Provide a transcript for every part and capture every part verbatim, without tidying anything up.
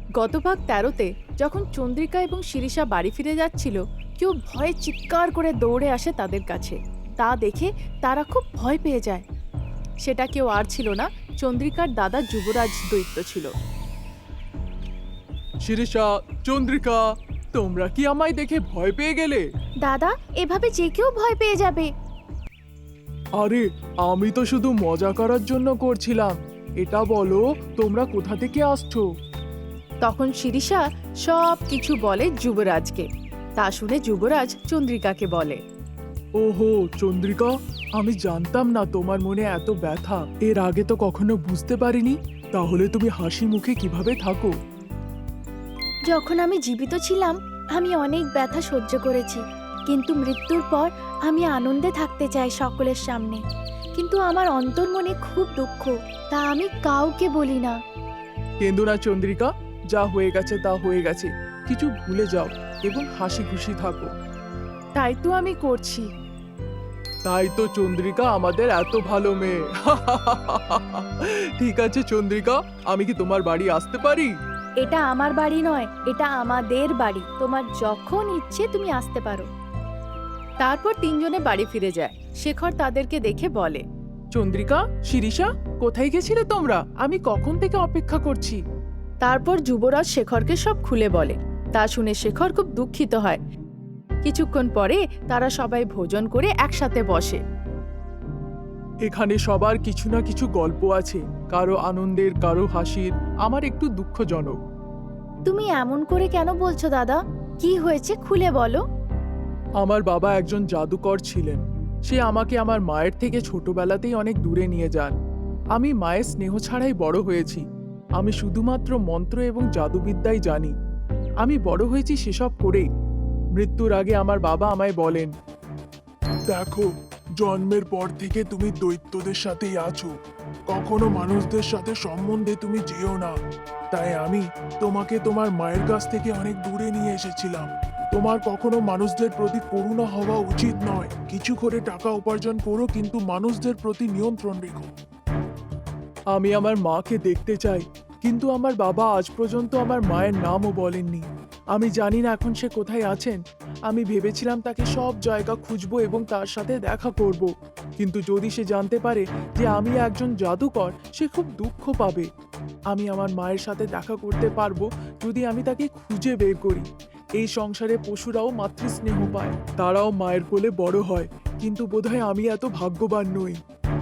গত ভাগ তেরোতে যখন চন্দ্রিকা এবং শিরিষা বাড়ি ফিরে যাচ্ছিল, কেউ ভয়ে চিৎকার করে দৌড়ে আসে তাদের কাছে। তা দেখে তারা খুব ভয় পেয়ে যায়। সেটা কেউ আর ছিল না, চন্দ্রিকার দাদা যুবরাজ দৈত্য ছিল। শিরিষা, চন্দ্রিকা, তোমরা কি আমায় দেখে ভয় পেয়ে গেলে? দাদা, এভাবে যে কেউ ভয় পেয়ে যাবে। আরে, আমি তো শুধু মজা করার জন্য করছিলাম। এটা বলো, তোমরা কোথা থেকে আসছো? তখন শিরিষা সব কিছু বলে যুবরাজকে। তা শুনে যুবরাজ চন্দ্রিকাকে বলে, ওহো চন্দ্রিকা, আমি জানতাম না তোমার মনে এত ব্যথা। এর আগে তো কখনো বুঝতে পারিনি। তাহলে তুমি হাসি মুখে কিভাবে থাকো? যখন আমি জীবিত ছিলাম আমি অনেক ব্যথা সহ্য করেছি, কিন্তু মৃত্যুর পর আমি আনন্দে থাকতে চাই সকলের সামনে। কিন্তু আমার অন্তর্মনে খুব দুঃখ, তা আমি কাউকে বলি না। কেন্দু না চন্দ্রিকা, যা হয়ে গেছে তা হয়ে গেছে। কিছু ভুলে যাও এবং হাসি খুশি থাকো। তাই তো আমি করছি। তাই তো চন্দ্রিকা আমাদের এত ভালো মেয়ে। ঠিক আছে চন্দ্রিকা, আমি কি তোমার বাড়ি আসতে পারি? এটা আমার বাড়ি নয়, এটা আমাদের বাড়ি। তোমার যখন ইচ্ছে তুমি আসতে পারো। তারপর তিনজনে বাড়ি ফিরে যায়। শেখর তাদেরকে দেখে বলে, চন্দ্রিকা, শিরিষা, কোথায় গেছিলে তোমরা? আমি কখন থেকে অপেক্ষা করছি। তারপর যুবরাজ শেখরকে সব খুলে বলে। তা শুনে শেখর খুব দুঃখিত হয়। কিছুক্ষণ পরে তারা সবাই ভোজন করে একসাথে বসে। এখানে সবার কিছু না কিছু গল্প আছে, কারো আনন্দের, কারো হাসির, আমার একটু দুঃখজনক। তুমি এমন করে কেন বলছো দাদা? কি হয়েছে খুলে বলো। আমার বাবা একজন জাদুকর ছিলেন। সে আমাকে আমার মায়ের থেকে ছোটবেলাতেই অনেক দূরে নিয়ে যান। আমি মায়ের স্নেহ ছাড়াই বড় হয়েছি। আমি শুধুমাত্র মন্ত্র এবং জাদুবিদ্যাই জানি। আমি বড় হয়েছি সেসব করেই। মৃত্যুর আগে আমার বাবা আমায় বলেন, দেখো, জন্মের পর থেকে তুমি দৈত্যদের সাথেই আছো। কখনো মানুষদের সাথে সম্বন্ধে তুমি যেও না। তাই আমি তোমাকে তোমার মায়ের কাছ থেকে অনেক দূরে নিয়ে এসেছিলাম। তোমার কখনো মানুষদের প্রতি করুণা হওয়া উচিত নয়। কিছু করে টাকা উপার্জন করো, কিন্তু মানুষদের প্রতি নিয়ন্ত্রণ রেখো। আমি আমার মাকে দেখতে চাই, কিন্তু আমার বাবা আজ পর্যন্ত আমার মায়ের নামও বলেননি। আমি জানি না এখন সে কোথায় আছেন। আমি ভেবেছিলাম তাকে সব জায়গা খুঁজবো এবং তার সাথে দেখা করব। কিন্তু যদি সে জানতে পারে যে আমি একজন জাদুকর, সে খুব দুঃখ পাবে। আমি আমার মায়ের সাথে দেখা করতে পারবো যদি আমি তাকে খুঁজে বের করি। এই সংসারে পশুরাও মাতৃস্নেহ পায়, তারাও মায়ের কোলে বড় হয়, কিন্তু বোধহয় আমি এত ভাগ্যবান নই।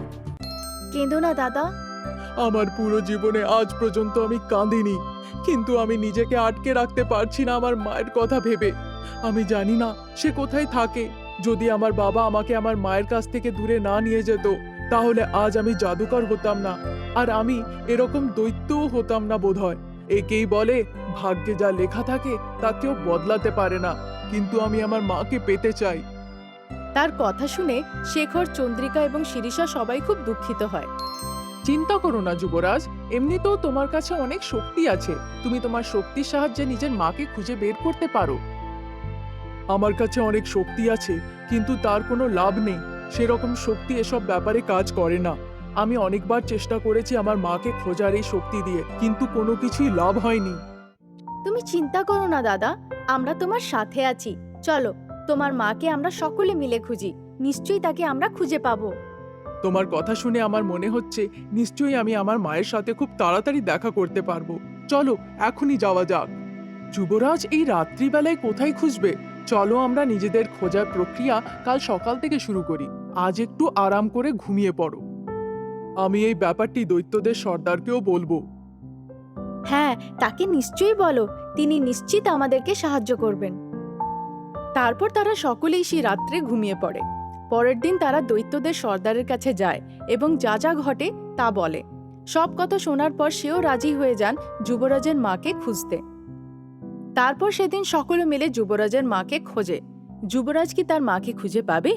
কেঁদো না দাদা। আমার পুরো জীবনে আজ পর্যন্ত আমি কাঁদিনি, কিন্তু আমি নিজেকে আটকে রাখতে পারছি না আমার মায়ের কথা ভেবে। আমি জানি না সে কোথায় থাকে। যদি আমার বাবা আমাকে আমার মায়ের কাছ থেকে দূরে না নিয়ে যেত, তাহলে আজ আমি জাদুকর হতাম না, আর আমি এরকম দৈত্যও হতাম না বোধহয়। একেই বলে, ভাগ্যে যা লেখা থাকে তা কেউ বদলাতে পারে না। কিন্তু আমি আমার মাকে পেতে চাই। তার কথা শুনে শেখর, চন্দ্রিকা এবং শিরিষা সবাই খুব দুঃখিত হয়। চিন্তা করো না যুবরাজ, এমনিতেও তোমার কাছে অনেক শক্তি আছে। তুমি তোমার শক্তির সাহায্যে নিজের মাকে খুঁজে বের করতে পারো। আমার কাছে অনেক শক্তি আছে, কিন্তু তার কোনো লাভ নেই। সেরকম শক্তি এসব ব্যাপারে কাজ করে না। আমি অনেকবার চেষ্টা করেছি আমার মাকে খোঁজার এই শক্তি দিয়ে, কিন্তু কোনো কিছুই লাভ হয়নি। তুমি চিন্তা করো না দাদা, আমরা তোমার সাথে আছি। চলো, তোমার মাকে আমরা সকলে মিলে খুঁজি। নিশ্চয়ই তাকে আমরা খুঁজে পাবো। তোমার কথা শুনে আমার মনে হচ্ছে নিশ্চয়ই আমি আমার মায়ের সাথে খুব তাড়াতাড়ি দেখা করতে পারবো। চলো এখনই যাওয়া যাক। যুবরাজ এই রাত্রিবেলায় কোথায় খুঁজবে? চলো আমরা নিজেদের খোঁজার প্রক্রিয়া কাল সকাল থেকে শুরু করি। আজ একটু আরাম করে ঘুমিয়ে পড়ো। আমি এই ব্যাপারটি দৈত্যদের সর্দারকেও বলবো। হ্যাঁ, তাকে নিশ্চয়ই বলো। তিনি নিশ্চিত আমাদেরকে সাহায্য করবেন। তারপর তারা সকলেই সেই রাত্রে ঘুমিয়ে পড়ে। পরের দিন তারা দৈত্যদের সর্দারের কাছে যায় এবং যা যা ঘটে তা বলে। সব কথা শোনার পর সেও রাজি হয়ে যান যুবরাজের মাকে খুঁজতে। তারপর সেদিন সকলে মিলে যুবরাজের মাকে খোঁজে। যুবরাজ কি তার মাকে খুঁজে পাবে?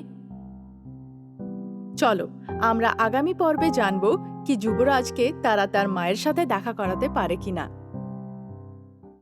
চলো আমরা আগামী পর্বে জানবো কি যুবরাজকে তারা তার মায়ের সাথে দেখা করাতে পারে কিনা।